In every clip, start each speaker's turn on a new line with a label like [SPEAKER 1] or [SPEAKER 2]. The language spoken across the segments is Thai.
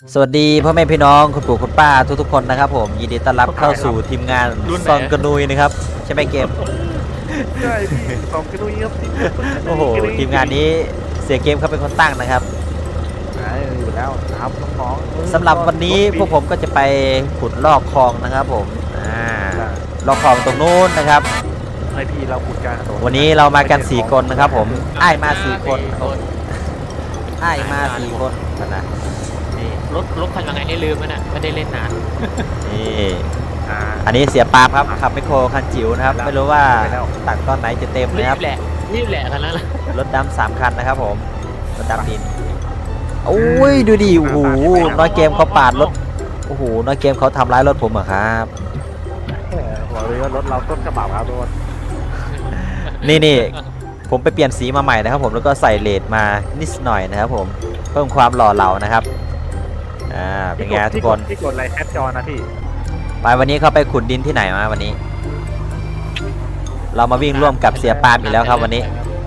[SPEAKER 1] สวัสดีพ่อแม่พี่น้องคุณปู่คุณป้าทุกๆคนนะครับผมยินดีต้อนรับเข้าสู่ทีมงานซองกระนุยนะครับใช่ไหมเกม
[SPEAKER 2] ใช่พี่สองกระดุยครับ
[SPEAKER 1] โอ้โหทีมงานนี้เสียเกมเขาเป็นคนตั้งนะครับ
[SPEAKER 2] อยู่แล้วครับน้องๆ
[SPEAKER 1] สำหรับวันนี้พวกผมก็จะไปขุดลอกคลองนะครับผมลอกคลองตรงนู้นนะครับ
[SPEAKER 2] ไอพีเราขุดกัน
[SPEAKER 1] วันนี้เรามากัน4คนนะครับผมอ้ายมา4คนอ้ายมา4คนนะนี่
[SPEAKER 3] รถคันยังไงนี่ลืมมันอ่ะไม่ได้เล่นนาน
[SPEAKER 1] นี่อันนี้เสียปาล์มครับขับไมคโครคันจิ๋วนะครับไม่รู้ว่าตักตอนไหนจะเต็ม
[SPEAKER 3] รี
[SPEAKER 1] นะครับ
[SPEAKER 3] บแหละคันนั้นแหละ
[SPEAKER 1] รถดำ3 คันนะครับผมรถดำดินโอ้ยดูดิโอ้โหน้อยเกมเขาปาดรถโอ้โหน้อยเกมเขาทำร้ายรถผมเหรอครับ
[SPEAKER 2] บอกเลยว่ารถเราต้นกระบะครับทุกคน
[SPEAKER 1] นี่ผมไปเปลี่ยนสีมาใหม่นะครับผมแล้วก็ใส่เลดมานิดหน่อยนะครับผมเพิ่มความหล่อเหลานะครับเป็นไงทุกคน
[SPEAKER 2] ที่กดอะไรแคปจอนะพี่
[SPEAKER 1] ไปวันนี้เขาไปขุดดินที่ไหนมาวันนี้ เรามาวิ่งร่วมกับเสียปาล์มอีกแล้วครับวันนี้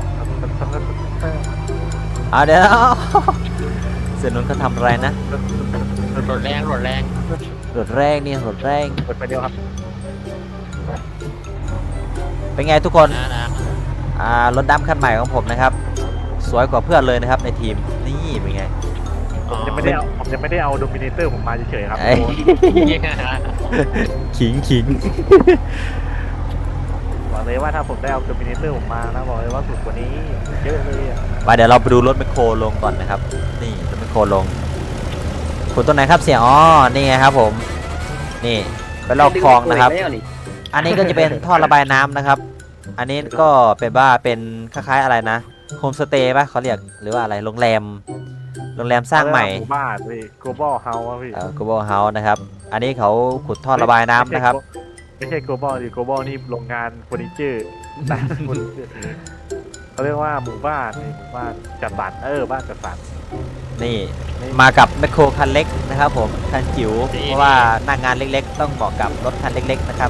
[SPEAKER 1] เดี๋ยว เสียนุนเขาทำอะไรนะ
[SPEAKER 3] รถแรง
[SPEAKER 1] รถแรงนี่รถแรง
[SPEAKER 2] กดไปเดียวครับ
[SPEAKER 1] เป็นไงทุกคน
[SPEAKER 3] นะ
[SPEAKER 1] รถดำคันใหม่ของผมนะครับ สวยกว่าเพื่อนเลยนะครับในทีมนี่เป็นไง
[SPEAKER 2] ผมยังไม่ได้เอาโดมิเนเตอร์ผมมาเฉยๆครับ
[SPEAKER 1] เอ้ย ขิง
[SPEAKER 2] บอกเลยว่าถ้าผมได้เอาโดมิเนเตอร์ผมมานะบอกเลยว่าสุดกว่านี้เยอะเลยอ่ะ
[SPEAKER 1] มาเดี๋ยวเราไปดูรถแมคโครลงก่อนนะครับนี่รถแมคโครลงขุดต้นไหนครับเสียอ๋อนี่ไงครับผมนี่ไปลอกคลองนะครับ อันนี้ก็จะเป็นท่อระบายน้ำนะครับ อันนี้ก็เป็นว่าเป็นคล้ายๆอะไรนะโฮมสเตย์ป่ะเขาเรียกหรือว่าอะไรโรงแรมสร้างใหม่
[SPEAKER 2] หมู่บ้านพี่ global house พี่
[SPEAKER 1] global house นะครับอันนี้เขาขุดท่อระบายน้ำนะครับ
[SPEAKER 2] ไม่ใช่ global ดิ global นี่โรงงานเฟอร์นิเจอร์ร้านเฟอร์นิเจอร์เขาเรียกว่าหมู่บ้านนี่หมู่บ้านจัดสรรบ้านจัดสรร
[SPEAKER 1] นี่มากับแมคโครคันเล็กนะครับผมคันจิ๋วเพราะว่าหน้างานเล็กๆ ต้องเหมาะกับรถคันเล็กๆนะครับ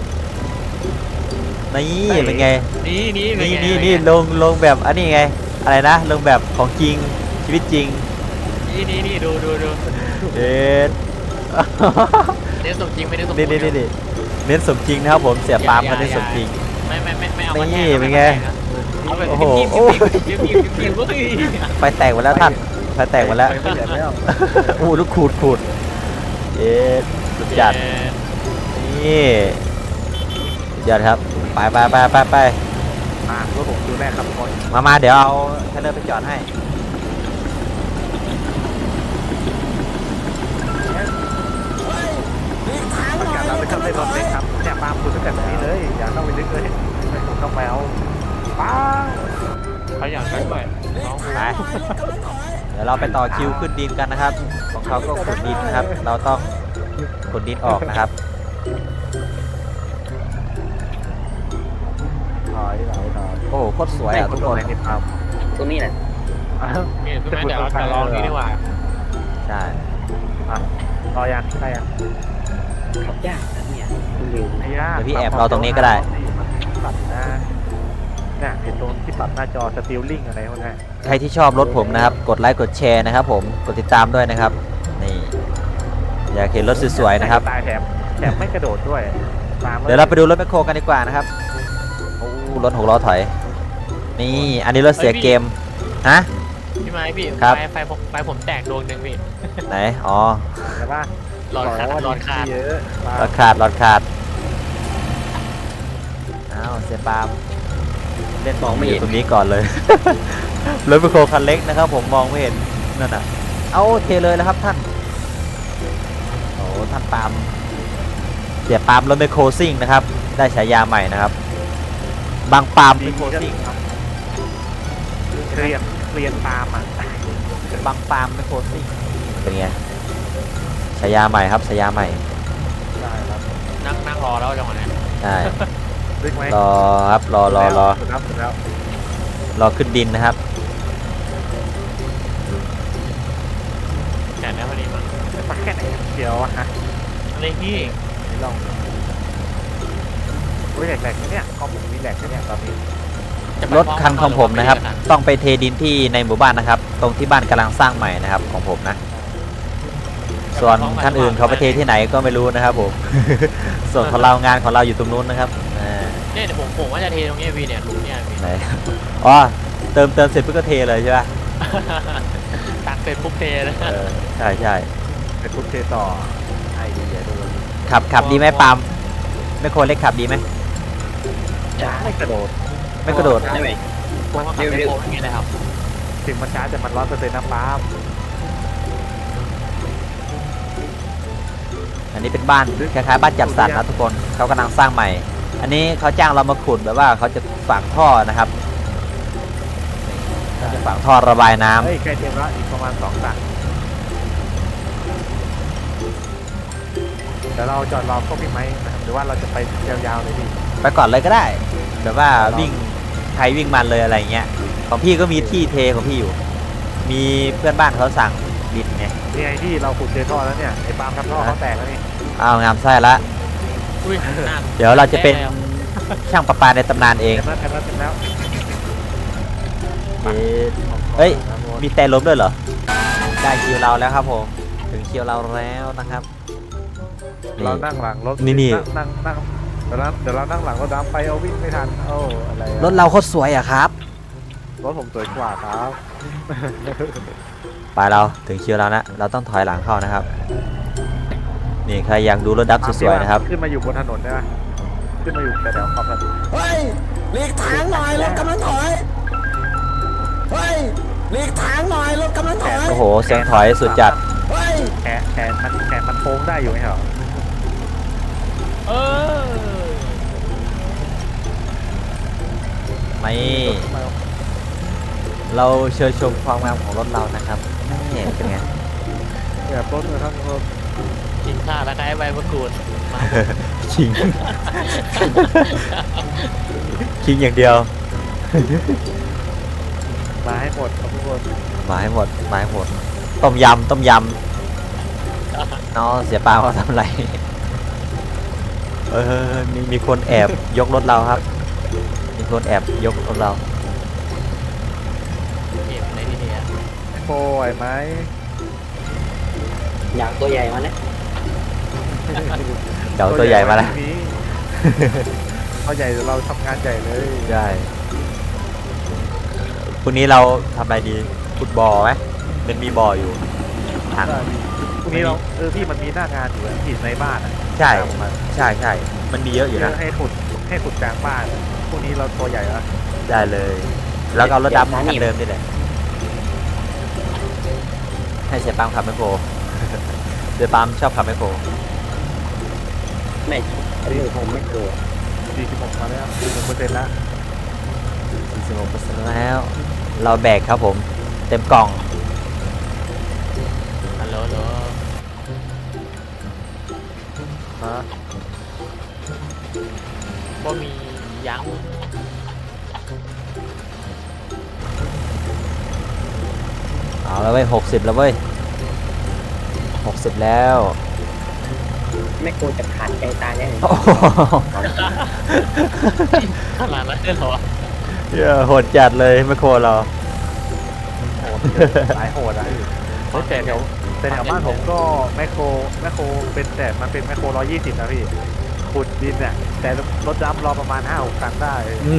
[SPEAKER 1] นี่เป็นไงนี่ลงแบบอันนี้ไงอะไรนะลงแบบของจริงชีวิตจริง
[SPEAKER 3] นี่ดู
[SPEAKER 1] เด็ด
[SPEAKER 3] เน้นสมจริงไม่ได้สม
[SPEAKER 1] นี่เน้นสมจริงนะครับผมเสียปาล์มเขาเน้นสมจริง
[SPEAKER 3] ไม่เอา
[SPEAKER 1] นี่เป็นไง โอ้โห ไฟแตกหมดแล้วท่านไฟแตกหมดแล้ว
[SPEAKER 2] ไม่เหลือแล้ว
[SPEAKER 1] โอ้ลูกขูดเย็ดสุดจัดนี่สุดยอดครับไป
[SPEAKER 2] รถผมดูแรกครับทุกคน
[SPEAKER 1] มาเดี๋ยวเอาเทเลอร์ไปจอดให้
[SPEAKER 2] ประกาศเราไม่ชอบเล่นรถเล็กครับเนี่ยปาล์มคุณตั้งแต่แบบนี้เลยอย่าเข้าไปลึกเลยไม่ต้องไปเอาป้า
[SPEAKER 3] เขาอยากได้ด้วยน้อง
[SPEAKER 1] ไปเดี๋ยวเราไปต่อคิวขึ้นดินกันนะครับของเขาก็ขุดดินนะครับ เราต้องขุดดินออกนะครับ
[SPEAKER 2] ถอย
[SPEAKER 1] โอ้โหโคตรสวยอ่ะทุกคน
[SPEAKER 2] ในปาล์ม
[SPEAKER 4] ตรงนี้แหละ
[SPEAKER 3] นี่ใช่ไหมเดี๋ยวเราจะลองนี่ดีกว่า
[SPEAKER 1] ใช่
[SPEAKER 2] รอยังได้ยัง
[SPEAKER 4] ขับยากนะเนี่ยคุณลืม
[SPEAKER 2] ไอ้ย่า
[SPEAKER 1] เดี๋ยวพี่แอบรอตรงนี้ก็ได้
[SPEAKER 2] ปรับนะเนี่ยเห็นตรงที่ปรับหน้าจอสติลลิ่งอะไรพวกนี้
[SPEAKER 1] ใครที่ชอบรถผมนะครับกดไลค์กดแชร์นะครับผมกดติดตามด้วยนะครับนี่อยากเห็นรถสวยๆนะครับ
[SPEAKER 2] ตายแถมไม่กระโดดด้วยตาม
[SPEAKER 1] เดี๋ยวเราไปดูรถแมคโครกันดีกว่านะครับโอ้รถ6 ล้อถอยนี่อันนี้รถเสียเกมฮะ
[SPEAKER 3] พี่ไม้พี่
[SPEAKER 1] ครับ
[SPEAKER 3] ไฟผมแตกดวงหนึ่งพี่
[SPEAKER 1] ไหนอ๋อ
[SPEAKER 2] ใช่ป่ะ
[SPEAKER 3] หลอดขาด
[SPEAKER 2] เยอะ
[SPEAKER 1] หลอดขาดอ้าวเสียปาล์มเล่นมองไม่เห็นตรงนี้ก่อนเลย รถแมคโครคันเล็กนะครับผมมองไม่เห็นนั่นน่ะเอาเทเลยแล้วครับท่านโอ้ท่านปาล์มเสียปาล์มรถแมคโครซิ่งนะครับได้ฉายาใหม่นะครับบางปาล์มแมคโครซิ่ง
[SPEAKER 2] เรียนตามอ่ะ
[SPEAKER 1] บางปาล์มแมคโครซิ่งเป็นไงฉายาใหม่ครับฉายาใหม่
[SPEAKER 2] ได้ครับ
[SPEAKER 3] นั่งรอแล้วจังหวะนี้
[SPEAKER 1] ใช่
[SPEAKER 2] ดึกไหม
[SPEAKER 1] รอครับรอ
[SPEAKER 2] สุดแล้ว
[SPEAKER 1] รอขึ้นดินนะครับ
[SPEAKER 3] แขนได้พอดีมั้ง
[SPEAKER 2] สักแค่ไหนเดียวอะฮะ
[SPEAKER 3] อะไรพี่
[SPEAKER 2] นี่ลองอุ้ยแหลกๆเนี่ยคอมผมมีแหลกเนี่ยตอนนี้
[SPEAKER 1] รถคันของผมนะครับต้องไปเทดินที่ในหมู่บ้านนะครับ ตรงที่บ้านกำลังสร้างใหม่นะครับของผมนะส่วนท่านอื่นเขาไปเทที่ไหนก็ไม่รู้นะครับผม ส่วนของเรางานของเราอยู่ตรงนู้นนะครับอ่า
[SPEAKER 3] เนี่ยเดี๋ยวผมว่าจะเทตรงนี้พี่เนี่ยหลุมเนี่ยพี่
[SPEAKER 1] ไหน อ๋อเติมเสร็จปุ๊บก็เทเลยใช่ปะ
[SPEAKER 3] ตักเสร็จปุ๊บเทเลย
[SPEAKER 1] ใช่ใช่
[SPEAKER 2] เป็นทุกเทต่อไอเดียดู
[SPEAKER 1] ขับดีไหมปาล์มไม่โครเล็กขับดีไหม
[SPEAKER 4] จ้า
[SPEAKER 2] ไม่กระโดด
[SPEAKER 1] ไม่กระโดด
[SPEAKER 4] ได้ไหม
[SPEAKER 3] พวกมันขับเป็นโค้งอย่างเงี้ยนะครับ
[SPEAKER 2] ถึงมันช้าแต่มัน100%นะป้าล์ม
[SPEAKER 1] อันนี้เป็นบ้านคล้ายๆบ้านจัดสรรนะทุกคนเขากำลังสร้างใหม่ อันนี้เขาจ้างเรามาขุดแบบว่าเขาจะฝังท่อนะครับเขาจะฝังท่อระบายน้ำ
[SPEAKER 2] เฮ้ยใกล้เต็มแล้วอีกประมาณ2 ตันเดี๋ยวเราจอดรอพวกพี่ไม้นะครับหรือว่าเราจะไปยาวๆเลยพี่
[SPEAKER 1] ไปก่อนเลยก็ได้แบบว่าวิ่งใครวิ่งมันเลยอะไรเงี้ยของพี่ก็มีที่เทของพี่อยู่ มีเพื่อนบ้านเขาสั่งดินไง
[SPEAKER 2] นี่ไงที่เราขุดเจอท่อแล้วเนี่ยไอ้ปาล์มทำท่อเขาแตกแล้วนี่
[SPEAKER 1] อ้าวงามไส้ละ
[SPEAKER 3] อุ้ยน่า
[SPEAKER 1] เดี๋ยวเราจะเป็นช่างประปาในตำนานเอง
[SPEAKER 2] เต็มแล้วเต็มแล้ว
[SPEAKER 1] เฮ้ย มีแต่ล้มด้วยเหรอ ได้คิวเราแล้วครับผม ถึงคิวเราแล้วนะครับ
[SPEAKER 2] เรานั่งหลังรถ
[SPEAKER 1] นี่
[SPEAKER 2] นั่งเดี๋ยวเรานั่งหลังรถดำไปเอาวิ่งไม่ทันโอ้อะไรอะ
[SPEAKER 1] รถเราโคตรสวยอะครับ
[SPEAKER 2] รถผมสวยกว่าครับ
[SPEAKER 1] ไปเราถึงคิวเรานะ เราต้องถอยหลังเข้านะครับ นี่ใครอยากดูรถดับสวยๆนะครับ
[SPEAKER 2] ขึ้นมาอยู่บนถนนได้ไหมขึ้นมาอยู่แถวๆขอบถนน
[SPEAKER 5] เฮ้ยหลีกทางหน่อยรถกำลังถอย เฮ้ยหลีกทางหน่อยรถกำลังถอย
[SPEAKER 1] โอ้โห เสียงถอยสุดจัด
[SPEAKER 5] เฮ้ย
[SPEAKER 2] แขนมันโค้งได้อยู่ไหมเหรอ
[SPEAKER 3] เออ
[SPEAKER 1] ไม่ เราเชิญชมความงามของรถเรานะครับนี่เป็นไง
[SPEAKER 2] แบบรถเลยทั้งรถ
[SPEAKER 3] กินข้าวแล้วก็ไอ้ใบมะกรูดมา
[SPEAKER 1] ชิง ชิงอย่างเดียว
[SPEAKER 2] มาให้หมดครับทุกคน
[SPEAKER 1] มาให้หมด มาให้หมด ต้มยำน้องเสียปลาเขาทำอะไร มีคนแอบยกรถเราครับ มีคนแอบยกรถเรา
[SPEAKER 3] เก็บในที่นี้
[SPEAKER 2] โป้ยไหม
[SPEAKER 4] อยากตัวใหญ่มานะ
[SPEAKER 1] เดี๋ยวตัวใหญ่มาแล้ว
[SPEAKER 2] ตัวใหญ่เราทำงานใหญ่เลย
[SPEAKER 1] ใช่พรุ่งนี้เราทำอะไรดี ฟุตบอลไหมมันมีบอลอยู่ทาง
[SPEAKER 2] พรุ่งนี้เราพี่มันมีหน้างานอยู่ที่ในบ้านอ่ะ
[SPEAKER 1] ใช่ใช่ใช่ มันมีเยอะอยู่นะ
[SPEAKER 2] ให้ขุดกลางบ้านพรุ่งนี้เราตัวใหญ่แล้ว
[SPEAKER 1] ได้เลย แล้วก็เอารถดำคันเดิมนี่แหละ ให้เสียปามขับไมคโคร เสียปามชอบขับไมคโคร
[SPEAKER 4] ไม่อันนี้ผมไม่กลัว
[SPEAKER 2] 46มาแล้ว46%แล้ว
[SPEAKER 1] 46%แล้ว เราแบกครับผม เต็มกล่อง
[SPEAKER 3] ฮัลโหล
[SPEAKER 2] ฮะ
[SPEAKER 3] ก็มียัง
[SPEAKER 1] เอาแล้วเว้ย60แล้วเว้ย60แล้ว
[SPEAKER 4] ไม่กลัวจะขาดใจตายแน่
[SPEAKER 1] โอ้โห
[SPEAKER 3] ขนาดนั้นเลยเหรอ
[SPEAKER 1] เหี้ยโหดจัดเลยไมคโครเรา
[SPEAKER 2] โหดหลายโหดอะแต่แถวบ้านผมก็แมคโครเป็นแต่มันเป็นแมคโคร120นะพี่ขุดดินเนี่ยแต่รถดำรอประมาณ 5-6 ตันได้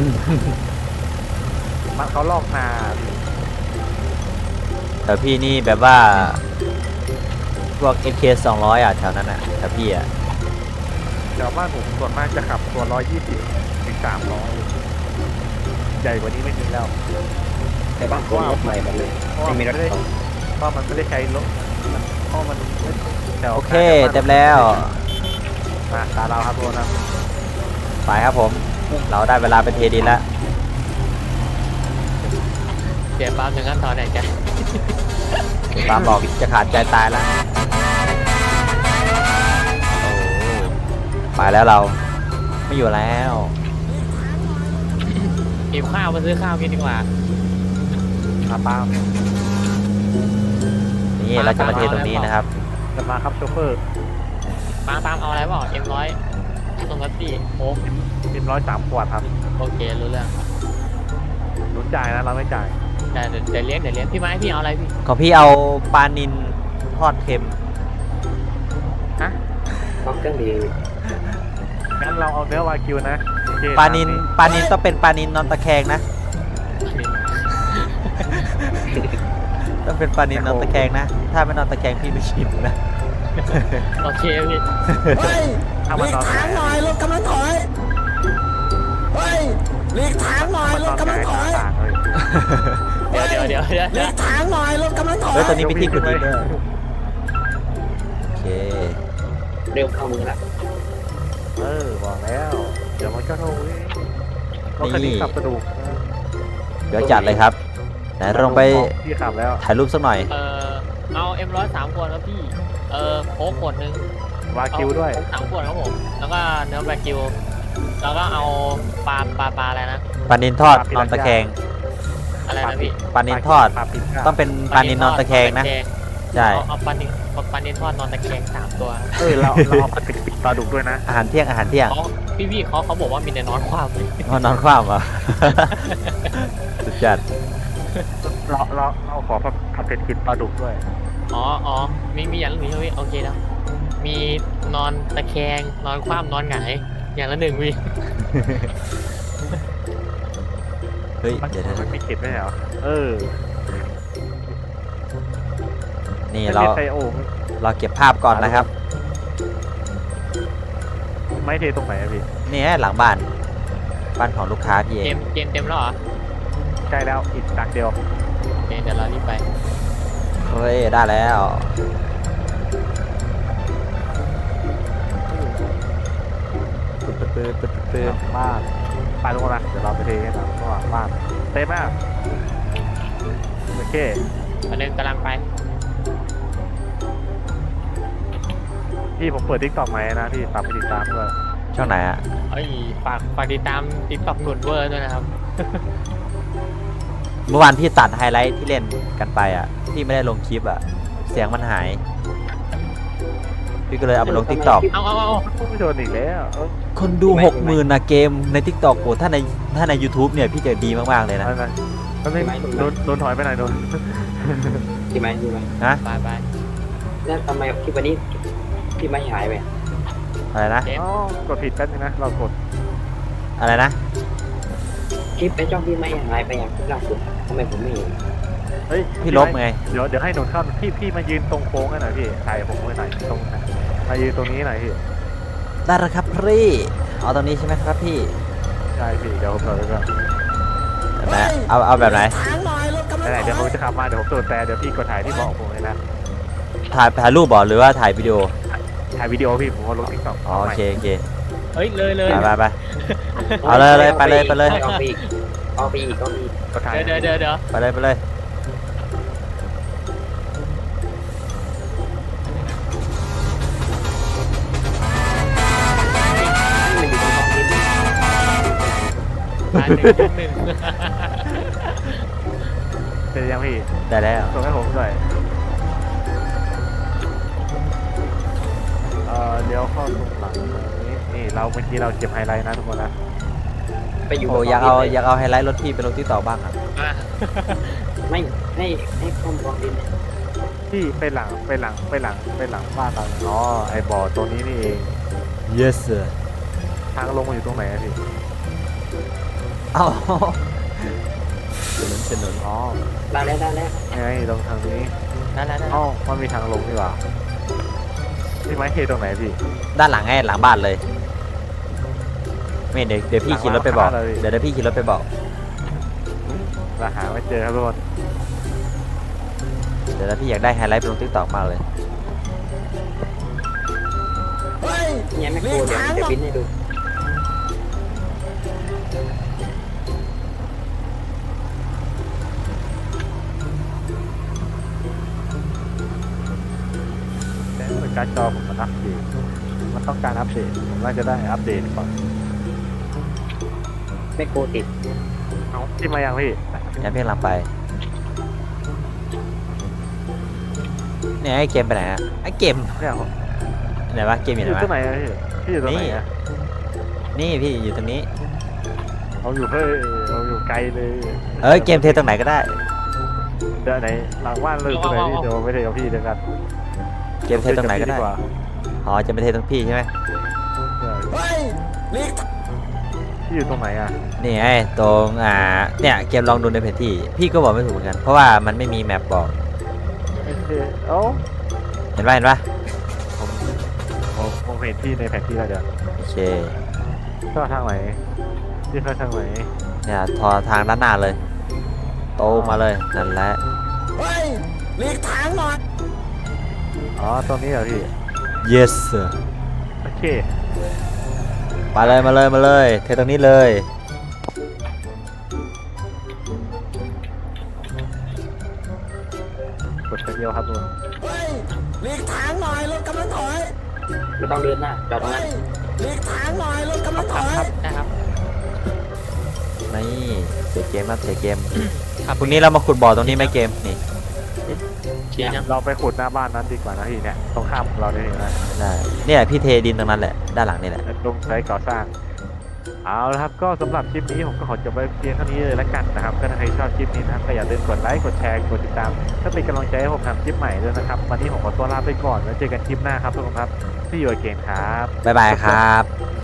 [SPEAKER 2] มันเขาลอกนาพี่
[SPEAKER 1] แต่พี่นี่แบบว่า พวก MK 200อ่ะแถวนั้นอ่ะแต่พี่อ่ะ
[SPEAKER 2] แถวบ้านผมส่วนมากจะขับตัว120ถึง300ใหญ่กว่านี้ไม่มีแล้ว
[SPEAKER 4] แต่บ้านผมรถใหม่หมดเลย
[SPEAKER 2] เพราะว่า
[SPEAKER 4] ไม่
[SPEAKER 2] มัน
[SPEAKER 4] มีรถ
[SPEAKER 2] ไม่ได้
[SPEAKER 4] เก่า
[SPEAKER 2] เพราะมันไม่ได้ใช้รถเพราะมันแถว
[SPEAKER 1] โอเคเต็มแล้ว
[SPEAKER 2] มาตาเราครับทุกคนครับ
[SPEAKER 1] ไปครับผม เราได้เวลาไปเทดินแล้ว
[SPEAKER 3] เดี๋ยวปั๊มถึงขั้นตอนไหนจ๊ะ
[SPEAKER 1] ปามบอกจะขาดใจตายแล้ว โอ้ไปแล้วเรา ไม่อยู่แล้ว
[SPEAKER 3] หิวข้าวมาซื้อข้าวกินดีกว่า
[SPEAKER 2] มาป้าม
[SPEAKER 1] นี่เราจะมาเทตรงนี้นะครับ
[SPEAKER 2] จะมาครับโชเฟอร์
[SPEAKER 3] ปั๊มเอาอะไรบอกM100ตรงกัตตี้โอ้
[SPEAKER 2] พิม103 ขวดครับ
[SPEAKER 3] โอเครู้เรื่อง
[SPEAKER 2] หนุนจ่ายนะเราไม่จ่าย
[SPEAKER 3] เดี๋ยวเลี้ยงพี่ไม้พี่เอาอะไรพี่
[SPEAKER 1] ของพี่เอาปลานินทอดเค็ม
[SPEAKER 4] ล็อกเครื่องดี
[SPEAKER 2] งั้นเราเอาเนื้อวากิวนะโอเค
[SPEAKER 1] ปลานินต้องเป็นปลานินนอนตะแคงนะ ต้องเป็นปลานินนอนตะแคงนะ ถ้าไม่นอนตะแคงพี่ไม่ชิมนะ
[SPEAKER 3] โอเคพี่
[SPEAKER 5] เฮ้ย
[SPEAKER 2] ถ้า
[SPEAKER 5] ห
[SPEAKER 2] มัน
[SPEAKER 5] ลี
[SPEAKER 2] น
[SPEAKER 5] ก
[SPEAKER 2] อน
[SPEAKER 5] ทางหน่อยรถกำลังถอยเฮ้ยหลีกทางหน่อย
[SPEAKER 2] มัน
[SPEAKER 5] ร
[SPEAKER 2] น
[SPEAKER 5] ถ
[SPEAKER 2] อน
[SPEAKER 5] กำลังถอย
[SPEAKER 2] ต่างเลย
[SPEAKER 3] เดี๋ยว
[SPEAKER 5] หลีกทางหน่อยรถกำลังถอย
[SPEAKER 1] เฮ้ยตอนนี้ไปที่ขุดดินด้วยโอเค
[SPEAKER 4] เร็วเข้ามือละ
[SPEAKER 2] บอกแล้ว เดี๋ยวมันก็รู้เองรถคันนี้ขับกระดูก
[SPEAKER 1] เดี๋ยวจัดเลยครับไหนลงไป
[SPEAKER 2] พี่ขับแล้ว
[SPEAKER 1] ถ่ายรูปสักหน่อย
[SPEAKER 3] เอา M100 3 ขวดครับพี่โค้กขวดนึง
[SPEAKER 2] วากิวด้วย
[SPEAKER 3] 3 ขวดครับผมแล้วก็เนื้อแบล็กกิวแล้วก็เอาปลาอะไรนะ
[SPEAKER 1] ปลานินทอดนอนตะแคง
[SPEAKER 3] อะไรนะพี่
[SPEAKER 1] ปลานินทอด
[SPEAKER 2] ปลาปิด
[SPEAKER 1] ต้องเป็นปลานินนอนตะแคงนะ ใช่
[SPEAKER 3] เอาปลานินทอดนอนตะแคง3 ตัว
[SPEAKER 2] เราเอาปลาปิดปลาดุกด้วยนะ
[SPEAKER 1] อาหารเที่ยง
[SPEAKER 3] พี่เขาบอกว่ามีแต่นอนความเลย
[SPEAKER 1] นอนคว่ำอ่ะ สุดจัด
[SPEAKER 2] เราขอผัดเผ็ดกินปลาดุกด้วย
[SPEAKER 3] อ๋อมีอย่างละหนึ่งใช่ไหมโอเคแล้วมีนอนตะแคงนอนคว่ำนอนหงายอย่างละหนึ่งพี่
[SPEAKER 1] เฮ้ย
[SPEAKER 2] มัน
[SPEAKER 1] เดี๋ยว
[SPEAKER 2] มันมีเก็บไหมเหรอ
[SPEAKER 1] นี่
[SPEAKER 2] ไม่
[SPEAKER 1] เรา
[SPEAKER 2] มีไซโอ
[SPEAKER 1] เราเก็บภาพก่อนนะครับ
[SPEAKER 2] ไม่เทตรงไหนอะพี่
[SPEAKER 1] นี่หลังบ้านของลูกค้าพี่เอ
[SPEAKER 3] เก
[SPEAKER 1] ง
[SPEAKER 3] มเต็มแล้วเหรอ
[SPEAKER 2] ใกล้แล้วอีกตักเดียว
[SPEAKER 3] โอเคเดี๋ยวเรารีบไป
[SPEAKER 1] เฮ้ยได้แล้วปื๊ด
[SPEAKER 2] บ้านไปตรงนั้นเดี๋ยวเราไปเทให้นะระหว่างบ้านเต็มมากโอเค
[SPEAKER 3] อันนึงกำลังไป
[SPEAKER 2] พี่ผมเปิดทิกตอกไหมนะพี่ฝากไปติดตามด้วย
[SPEAKER 1] ช่องไหนอ่ะ
[SPEAKER 3] เอ้ยฝากติดตามติ๊กต็อกกดเวอร์ด้วยนะครับ
[SPEAKER 1] เมื่อวานพี่ตัดไฮไลท์ที่เล่นกันไปอ่ะพี่ไม่ได้ลงคลิปอ่ะเสียงมันหาย พี่ก็เลยเอาไปลง TikTok
[SPEAKER 3] เอา
[SPEAKER 2] ไม่โดนอีกแล้ว
[SPEAKER 1] คนดู 60,000นะเกมใน TikTok โอ้ถ้าใน YouTube เนี่ยพี่จะดีมากๆเลยนะ
[SPEAKER 2] นั่นก็ไม่โดนถอยไปไหนโดน
[SPEAKER 4] ที่ไหม
[SPEAKER 1] นะ
[SPEAKER 3] ไป
[SPEAKER 4] แล้วทำไมคลิปวันนี้ที่ไม่หายไป
[SPEAKER 1] อะไรนะ
[SPEAKER 2] อ๋อกดผิดแป๊บนึงนะเรากด
[SPEAKER 1] อะไรนะ
[SPEAKER 4] คลิปไอ้จ้องที่ไม่หายไปอย่างล่าสุดทำไมผมไม่เห็น
[SPEAKER 2] เฮ้ย
[SPEAKER 1] พี่ลบไง
[SPEAKER 2] เดี๋ยวให้หนุนเข้าพี่มายืนตรงโค้งกันหน่อยพี่ถ่ายผมไว้หน่อยตรงมายืนตรงนี้หน่อยพี่
[SPEAKER 1] ได้แล้วครับพี่เอาตรงนี้ใช่ไหมครับพี่
[SPEAKER 2] ใช่พี่เดี๋ยวผมเปิดไว้ก่อน
[SPEAKER 1] แบบไหนเอาแบบไหน
[SPEAKER 5] ทางหน่อยรถกำลัง
[SPEAKER 2] ไหน
[SPEAKER 5] ถอย
[SPEAKER 2] เดี๋ยวผมจะขับมาเดี๋ยวผมตรวจแต่เดี๋ยวพี่กดถ่ายที่บอกผมเลยนะ
[SPEAKER 1] ถ่ายรูปบอหรือว่าถ่ายวิดีโอ
[SPEAKER 2] ถ่ายวิดีโอพี่ผมเอาลงทิกตอก
[SPEAKER 1] อ๋อโอเค
[SPEAKER 3] เฮ้ยเลย
[SPEAKER 1] ไปเอาเลยไปเลย
[SPEAKER 4] เอาไปอีกเอาไปอีก
[SPEAKER 2] กดถ่าย
[SPEAKER 3] เดี๋ยว
[SPEAKER 1] ไปเลย
[SPEAKER 4] มันอยู่ตรงท้องดิน
[SPEAKER 3] หนึ่ง
[SPEAKER 2] เสร็จยังพี่
[SPEAKER 1] ได้แล้ว
[SPEAKER 2] ส่งให้ผมด้วยเดี๋ยวเข้าตรงหลังนี่เราเมื่อกี้เราเก็บไฮไลท์นะทุกคนนะ
[SPEAKER 4] ไปอยู่
[SPEAKER 1] โอ้อยากเอาไฮไลท์รถพี่ไปลงที่ต่อบ้างอ่ะ
[SPEAKER 4] ไม่ให้ข้อมกองดิน
[SPEAKER 2] ที่ไปหลังบ้านเราอ๋อไอ้บ่อตรงนี้นี่เอง
[SPEAKER 1] yes sir
[SPEAKER 2] ทางลงมาอยู่ตรงไหนอะพี่
[SPEAKER 1] เอ้าถนน
[SPEAKER 2] อ๋อ
[SPEAKER 4] ได้แล้ว
[SPEAKER 2] ไงตรงทางนี้
[SPEAKER 3] นั่น
[SPEAKER 2] อ๋อมันมีทางลงนี่หว่าพี่ไม้เทตรงไหนพี่
[SPEAKER 1] ด้านหลังไงหลังบ้านเลยไม่เดี๋ยวพี่ขี่รถไปบอก
[SPEAKER 2] หลังบ้านเลย
[SPEAKER 1] เดี๋ยวพี่ขี่รถไปบอก
[SPEAKER 2] เราหาไม่เจอครับทุกคน
[SPEAKER 1] เดี๋ยวพี่อยากได้ไฮไลท์ไปลง TikTok มากเลย
[SPEAKER 5] เฮ้ย
[SPEAKER 4] เนี่ยไม่โกรธเดี๋ยวบินให้ดู
[SPEAKER 2] แต่การจอผมมันอัปเดตมันต้องการอัปเดตผมน่าจะได้อัปเดตก่อน
[SPEAKER 4] ไม่โกรธติด
[SPEAKER 2] เอาที่มายังพี่
[SPEAKER 1] งั้นพี่กำลังไปเนี่ยไอ้เกมไปไหนอะไอ้เกม
[SPEAKER 2] เนี่ย
[SPEAKER 1] ไหนวะเกมอ
[SPEAKER 2] พี่
[SPEAKER 1] ยู่
[SPEAKER 2] อ
[SPEAKER 1] ไหน
[SPEAKER 2] ยู่ตรงไหน
[SPEAKER 1] วะ
[SPEAKER 2] อะพี่อยู่ตรงไหนอะ
[SPEAKER 1] นี่พี่อยู่ตรงนี้
[SPEAKER 2] เราอยู่ไกลเลย
[SPEAKER 1] เกมเทตรงไหนก็ได้
[SPEAKER 2] เดี๋ยวไหนหลังบ้านเลยตรงไหนพี่เดี๋ยวไม่ได้กับพี่เดี๋ยวกัน
[SPEAKER 1] เกมเทตรงไหนก็ได้
[SPEAKER 2] ว่า
[SPEAKER 1] อ๋อจะไม่เทตรงพี่ใช่ไหม
[SPEAKER 5] เฮ้ยหลีก
[SPEAKER 2] ที่อยู่ตรงไหนอ่ะ
[SPEAKER 1] นี่ไงตรงเนี่ยเกมลองดูในแผนที่พี่ก็บอกไม่ถูกเหมือนกันเพราะว่ามันไม่มีแมปบอก
[SPEAKER 2] โอเคเอ้า
[SPEAKER 1] เห็นปะเห็นปะ
[SPEAKER 2] ผมเห็นที่ในแผนที่แล้วเดี๋ยว
[SPEAKER 1] โอเค
[SPEAKER 2] ก็ทางไหนที่เข้าทางไหน
[SPEAKER 1] เนี่ยทอทางด้านหน้าเลยโตรงมาเลยนั่นแหละ
[SPEAKER 5] เฮ้ยหลีกทางหน่อย
[SPEAKER 2] อ๋อตรงนี้เหรอพี่
[SPEAKER 1] yes sir
[SPEAKER 2] โอเค
[SPEAKER 1] มาเลยมาเลยมาเลยเทตรงนี้เลย
[SPEAKER 2] กดไปเดียวครับลุง
[SPEAKER 5] เฮ้ยหลีกทางหน่อยรถกำลังถอย
[SPEAKER 4] ไม่ต้องเดินหน้าจอดตรง
[SPEAKER 5] เฮ้
[SPEAKER 4] นั้น
[SPEAKER 5] ยหลีกทางหน่อยรถกำลังถ
[SPEAKER 3] ครับ
[SPEAKER 5] อย
[SPEAKER 3] ครับได้ครับ
[SPEAKER 1] นี่เสียเกมครับเสียเกม
[SPEAKER 3] ครับ
[SPEAKER 1] พรุ่งนี้เรามาขุดบ่อตรงนี้ไหมเกมนี่
[SPEAKER 3] เชียร์ยัง
[SPEAKER 2] เราไปขุดหน้าบ้านนั้นดีกว่านะพี่เนี่ยตรงข้ามเราได้เลยนะ
[SPEAKER 1] ได้เนี่ยพี่เทดินตรงนั้นแหละด้านหลังนี่แหละ
[SPEAKER 2] ลงใช้ก่อสร้างเอาละครับก็สำหรับคลิปนี้ผมก็ขอจบไว้เพียงเท่านี้เลยละกันนะครับก็ถ้าใครชอบคลิปนี้นะครับก็อย่าลืมกดไลค์กดแชร์กดติดตามเพื่อเป็นกำลังใจให้ผมทำคลิปใหม่ด้วยนะครับวันนี้ผมขอตัวลาไปก่อนแล้วเจอกันคลิปหน้าครับทุกคนครับที่อยู่เก่งครับ
[SPEAKER 1] บ๊ายบายครับ